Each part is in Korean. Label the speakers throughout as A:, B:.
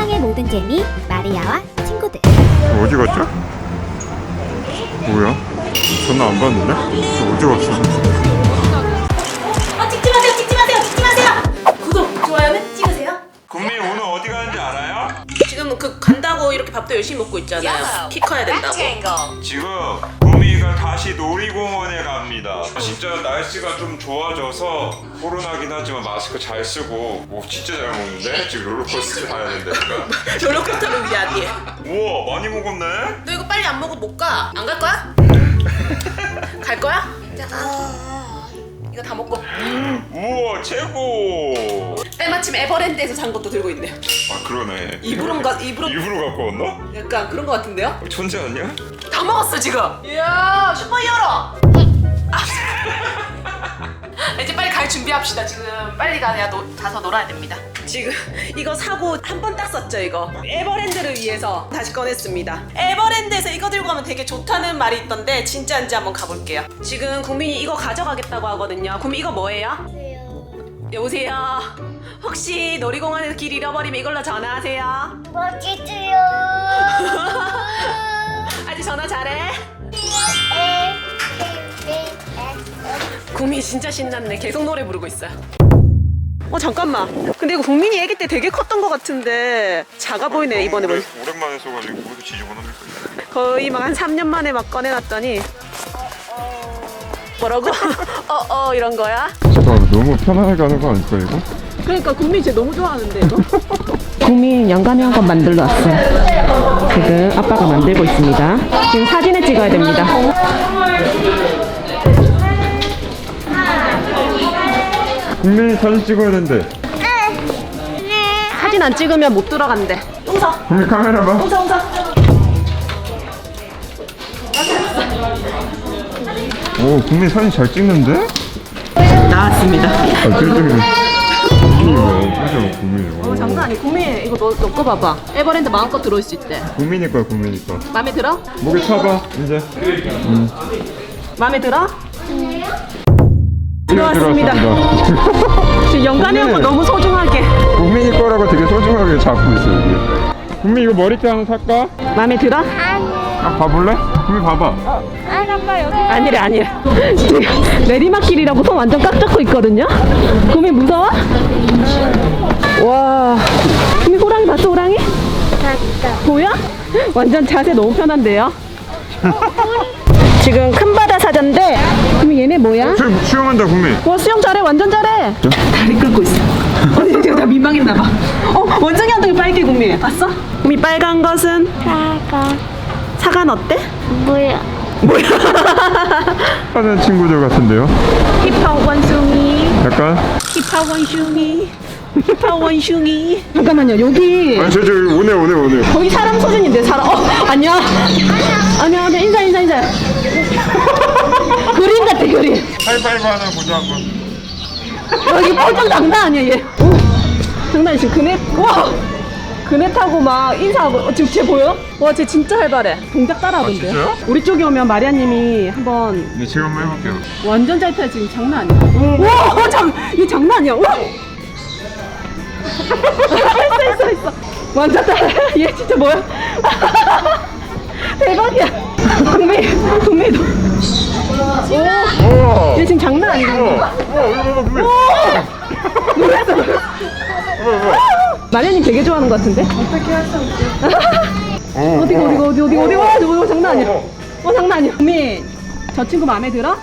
A: 세상의 모든 재미 마리아와 친구들.
B: 어디 갔죠? 뭐야? 전화 안 받는데? 어디 갔어?
C: 찍지 마세요, 찍지 마세요, 찍지 마세요. 구독, 좋아요는 찍으세요.
B: 국민 오늘 어디 가는지 알아요?
C: 지금 그 간다고 이렇게 밥도 열심히 먹고 있잖아요. 키 커야 된다고.
B: 지금 국민이가 다시 놀이공원에 갑니다. 진짜 날씨가 좀 좋아져서 코로나긴 하지만 마스크 잘 쓰고 진짜 잘 먹는데? 지금 롤러코스터 가야 된다니까.
C: 롤러코스터를 위해 아니에요.
B: 우와 많이 먹었네?
C: 너 이거 빨리 안 먹어 못 가. 안 갈 거야? 갈 거야? 자, 이거 다 먹고.
B: 우와 최고.
C: 때마침 에버랜드에서 산 것도 들고 있네요.
B: 아 그러네.
C: 입으로
B: 갖고 왔나?
C: 약간 그런 거 같은데요?
B: 천재 아니야?
C: 다 먹었어 지금. 이야 슈퍼히어로. 이제 빨리 갈 준비합시다. 지금 빨리 가서 놀아야 됩니다. 지금 이거 사고 한 번 딱 썼죠 이거. 에버랜드를 위해서 다시 꺼냈습니다. 에버랜드에서 이거 들고 가면 되게 좋다는 말이 있던데 진짜인지 한번 가볼게요. 지금 국민이 이거 가져가겠다고 하거든요. 국민 이거 뭐예요? 여보세요. 혹시 놀이공원에서 길 잃어버리면 이걸로 전화하세요.
A: 멋지지요.
C: 아직 전화 잘해? 국민이 진짜 신났네. 계속 노래 부르고 있어요. 잠깐만. 근데 이거 국민이 애기 때 되게 컸던 것 같은데 작아 보이네 이번에 보니.
B: 오랜만에 써가지고 모두 지저분합니까?
C: 거의 막 한 3년 만에 막 꺼내놨더니 뭐라고? 이런 거야?
B: 잠깐만 너무 편안하게 하는 거 아닐까 이거?
C: 그러니까 국민이 쟤 너무 좋아하는데 이거? 국민 영감이 한 건 만들러 왔어요. 지금 아빠가 만들고 있습니다. 지금 사진을 찍어야 됩니다.
B: 국민이 사진 찍어야 된대.
C: 사진 안 찍으면 못 들어간대. 웅서.
B: 국민 카메라 봐.
C: 웅서.
B: 오 국민 사진 잘 찍는데?
C: 나왔습니다.
B: 아 찔찔이. 국민이.
C: 장난 아니. 국민 이거 너 거 봐봐. 에버랜드 마음껏 들어올 수 있대.
B: 국민이 거야 국민이 거.
C: 마음에 들어?
B: 목에 차봐 이제.
C: 마음에 들어? 들어왔습니다. 지금 영감이 형 거 너무 소중하게.
B: 국민이 거라고 되게 소중하게 잡고 있어 여기. 국민 이거 머리띠 하나 살까?
C: 마음에 들어?
B: 아 봐볼래? 국민 봐봐.
C: 아니래. 지금 내리막길이라고 손 완전 꽉 잡고 있거든요. 국민 무서워? 와. 국민 호랑이 봤어 호랑이?
A: 봤어.
C: 보여? 완전 자세 너무 편한데요? 지금 큰 바다 사자인데 국민 얘네 뭐야?
B: 수영한다 국민.
C: 와 수영 잘해 완전 잘해. 다리 끌고 있어. 지금 다 민망했나봐. 원정이 엉덩이 빨개 국민 봤어? 국민 빨간 것은? 사과는 어때?
A: 뭐야?
B: 하는 친구들 같은데요?
C: 힙합 원숭이
B: 약간?
C: 힙합 원숭이 힙합 원숭이. 잠깐만요 여기
B: 아니 저 오네.
C: 거의 사람 수준인데 사람. 안녕. 안녕 인사. 그림 같아 그림.
B: 하이파이브 하나 보자 한번.
C: 여기 펄쩍 장난 아니야 얘. 장난 아니야 지금 그네. 와 그네 타고 막 인사하고. 지금 쟤 보여? 와 쟤 진짜 활발해. 동작 따라하던데요?
B: 진짜요?
C: 우리 쪽에 오면 마리아님이 한번
B: 네 제가 한번 해볼게요.
C: 완전 잘 타요 지금 장난 아니야. 와 얘 장난 아니야. 와. 있어. 완전 따라. 얘 진짜 뭐야? 대박이야. 국민도.
B: 우와.
C: 얘 지금 장난 아니야.
B: 우와 이거 국민.
C: 놀랐어.
B: 우와.
C: 마리아님 되게 좋아하는 것 같은데? 어디 와 저거 장난 아니야. 장난 아니야. 국민 저 친구 마음에 들어?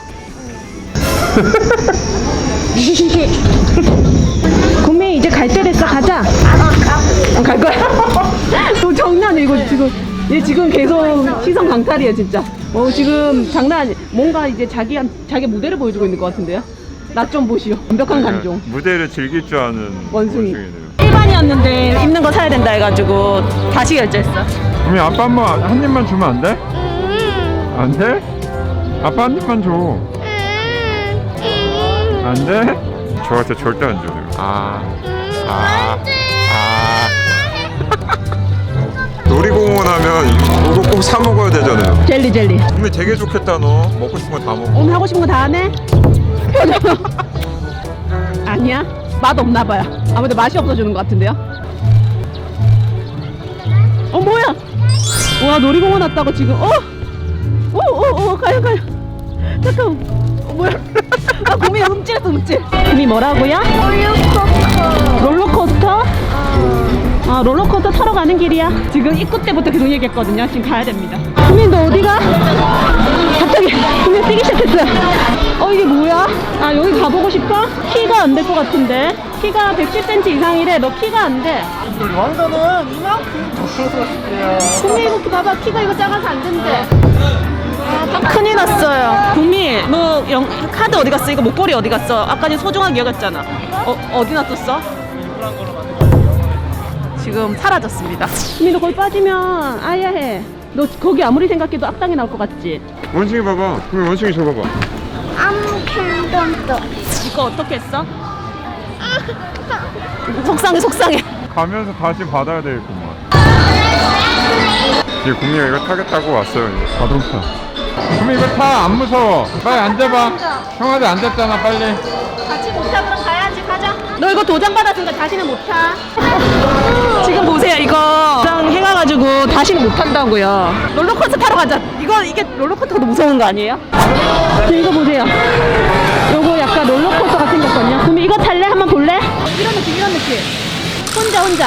C: 국민 이제 갈 때 됐어 가자. 갈 거야? 너 장난 아니야 이거 지금. 얘 지금 계속 시선 강탈이야 진짜. 지금 장난 아니야. 뭔가 이제 자기 무대를 보여주고 있는 것 같은데요? 나 좀 보시오. 완벽한 감정.
B: 무대를 즐길 줄 아는
C: 원숭이네요. 일반이었는데 입는 거 사야 된다 해가지고 다시 결제했어.
B: 국민 아빠 한 입만 주면 안 돼? 안 돼? 아빠 한 입만 줘. 안 돼? 저한테 절대 안 줘. 놀이공원 하면 이거 꼭 사 먹어야 되잖아요.
C: 젤리.
B: 국민 되게 좋겠다 너. 먹고 싶은 거 다 먹어.
C: 오늘 하고 싶은 거 다 하네? 아니야? 맛 없나 봐요. 아무래도 맛이 없어지는 것 같은데요? 와 놀이공원 왔다고 지금. 가요. 잠깐. 뭐야? 아 구미 움찔했어 움찔. 구미 뭐라고요? 롤러코스터? 아 롤러코스터 타러 가는 길이야. 지금 입구 때부터 계속 얘기했거든요. 지금 가야 됩니다. 구미 너 어디가? 갑자기 구미 뛰기 시작했어요. 이게 뭐야? 아 여기 가보고 싶어? 키가 안 될 것 같은데. 키가 110cm 이상이래. 너 키가 안 돼.
D: 왕자는 이만큼 줬어요.
C: 구미 이거 봐봐. 키가 이거 작아서 안 된대. 큰일 났어요. 구미 너 카드 어디 갔어? 이거 목걸이 어디 갔어? 아까 전 소중하게 여겼잖아. 어디 놨었어? 지금 사라졌습니다. 구미 너 거기 빠지면 아야 해. 너 거기 아무리 생각해도 악당이 나올 것 같지?
B: 원숭이 봐봐. 그럼 원숭이 저 봐봐.
A: 아무튼
C: 이거 어떻게 했어? 속상해.
B: 가면서 다시 받아야 되겠구만. 이제 국미가 이거 타겠다고 왔어요. 이제 자동차. 국미 이거 타. 안 무서워. 빨리 앉아봐. 형아들 앉았잖아. 빨리.
C: 같이 못 타. 그럼 가야지. 가자. 너 이거 도장 받았으니까 다시는 못 타. 지금 보세요. 이거 도장 해가지고 다시는 못 탄다고요. 롤러코스터 타러 가자. 이게 롤러코스터도 무서운 거 아니에요? 이거 보세요. 요거 약간 롤러코스터가 생겼거든요. 그럼 이거 탈래? 한번 볼래? 이런 느낌. 혼자.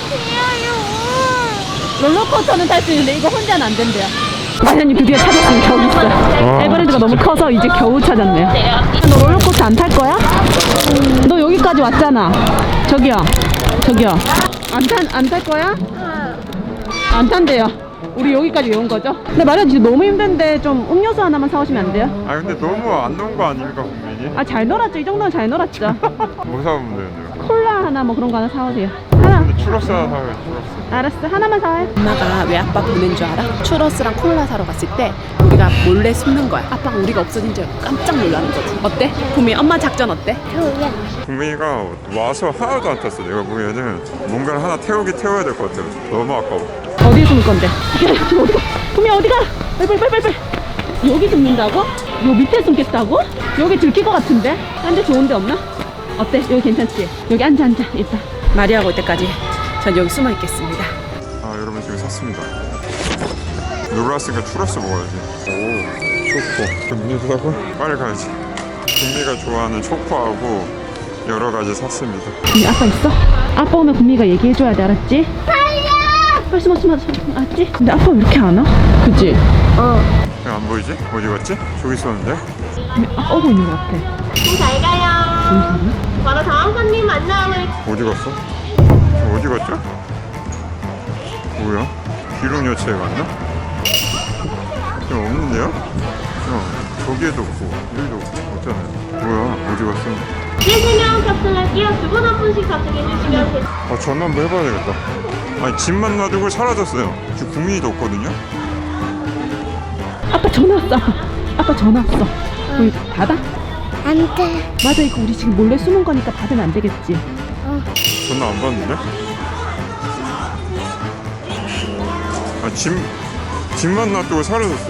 C: 롤러코스터는 탈 수 있는데 이거 혼자는 안 된대요. 마련님 드디어 찾았으니 겨우 있어요. 에버랜드가 너무 커서 이제 겨우 찾았네요. 너 롤러코스터 안 탈 거야? 너 여기까지 왔잖아. 저기요. 안 탈 거야? 안 탄대요. 우리 여기까지 왜 온 거죠? 근데 마련 지금 너무 힘든데 좀 음료수 하나만 사오시면 안 돼요?
B: 아 근데 너무 안 놓은 거 아닙니까 국민이?
C: 아 잘 놀았죠. 이 정도는 잘 놀았죠.
B: 뭐 사오면 되는데요?
C: 콜라 하나 뭐 그런 거 하나 사오세요. 하나.
B: 근데 추러스 하나 사와요. 추러스.
C: 알았어. 하나만 사와요. 엄마가 왜 아빠 보낸 줄 알아? 추러스랑 콜라 사러 갔을 때 우리가 몰래 숨는 거야. 아빠가 우리가 없어진 줄 알고 깜짝 놀라는 거지. 어때? 구미 엄마 작전 어때?
B: 국민이가 와서 하나도 안 탔어. 내가 보면은 뭔가를 하나 태워야 될 것 같아요. 너무 아까워.
C: 어디에 숨을 건데? 지금 어디가? 구미 어디가? 빨리. 여기 숨는다고? 요 밑에 숨겠다고? 여기 들킬 것 같은데? 딴 데 좋은 데 없나? 어때? 여기 괜찮지? 여기 앉아 일단. 마리아가 올 때까지 전 여기 숨어 있겠습니다.
B: 아 여러분 지금 샀습니다. 놀랐으니까 추러스 먹어야지. 오 초코. 음료수 사고 빨리 가야지. 국미가 좋아하는 초코하고 여러 가지 샀습니다.
C: 구미 아빠 있어? 아빠 오면 구미가 얘기해줘야 돼. 알았지? 빨리 숨어 알았지? 근데 아빠 왜 이렇게 안 와? 그치?
B: 안 보이지? 어디 갔지? 저기 있었는데?
C: 구미 아빠 오고 있는 것 같아.
A: 잘 가요. 바로 다음 손님 만남을.
B: 어디 갔어? 어디 갔죠? 뭐야? 기룡여체에 갔나? 좀 없는데요? 저기에도 없고 여기도 없잖아요. 뭐야? 어디 갔어?
A: 3명 탑승할게요. 두 분 한 분씩 탑승해 주시면 됩니다.
B: 아 전화 한번 해봐야 되겠다. 아니 집만 놔두고 사라졌어요. 지금 국민이도 없거든요?
C: 아빠 전화 왔어. 아빠 전화 왔어. 우리 받아?
A: 안 돼.
C: 맞아 이거 우리 지금 몰래 숨은 거니까 받으면 안 되겠지.
B: 전화 안 받는데? 아 집만 놔두고 사라졌어.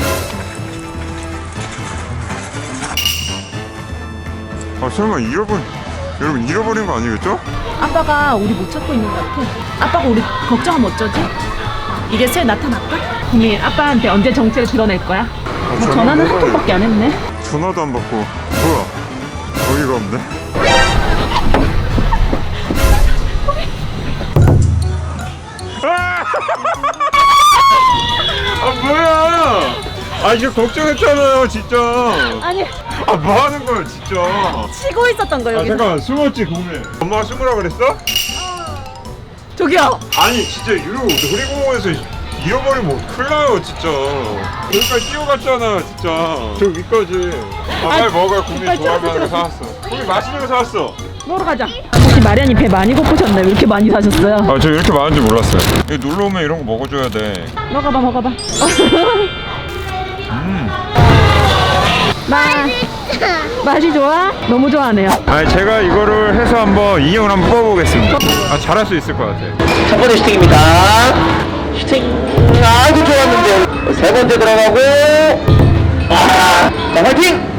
B: 아 설마 여러분 잃어버린 거 아니겠죠?
C: 아빠가 우리 못 찾고 있는 것 같아. 아빠가 우리 걱정하면 어쩌지? 이게 새 나타날까? 구미 아빠한테 언제 정체를 드러낼 거야? 전화는 한 통밖에 안 했네.
B: 전화도 안 받고 뭐야? 어이가 없네. 아 뭐야? 아 이제 걱정했잖아요 진짜.
C: 아니
B: 아 뭐 하는 거야 진짜.
C: 치고 있었던 거
B: 아
C: 여기.
B: 잠깐만 숨었지 국민. 엄마가 숨으라 그랬어?
C: 저기요.
B: 아니 진짜 이러고 놀이공원에서 잃어버리면 큰일 나요 진짜. 여기까지 뛰어갔잖아 진짜. 저 위까지. 아 빨리 먹어. 국민
C: 빨리
B: 좋아할 만한 거
C: 쪄.
B: 사왔어. 국민 맛있는 거 사왔어.
C: 먹으러 가자. 혹시 마련이 배 많이 고프셨나요? 왜 이렇게 많이 사셨어요?
B: 아 저 이렇게 많은 줄 몰랐어요. 여기 놀러 오면 이런 거 먹어줘야 돼.
C: 먹어봐. 맛이 좋아? 너무 좋아하네요.
B: 아니 제가 이거를 해서 한번 인형을 한번 뽑아보겠습니다. 아 잘할 수 있을 것 같아요.
D: 첫 번째 슈팅입니다. 슈팅 아주 좋았는데 세 번째 들어가고 자 화이팅!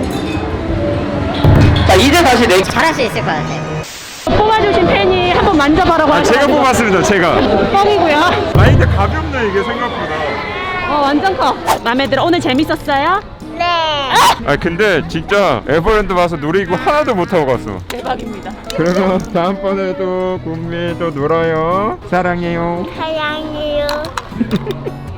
D: 자 이제 다시 내
A: 잘할 수 있을 것 같아요.
C: 뽑아주신 팬이 한번 만져봐라고
B: 아 제가
C: 하셔가지고
B: 뽑았습니다 제가.
C: 뻥이고요.
B: 아니 근데 가볍네 이게 생각보다.
C: 완전 커. 마음에 들어. 오늘 재밌었어요?
A: 네.
B: 아 근데 진짜 에버랜드 와서 놀이기구 하나도 못 타고 갔어.
C: 대박입니다.
B: 그러면 다음번에도 구미 또 놀아요. 사랑해요.
A: 사랑해요.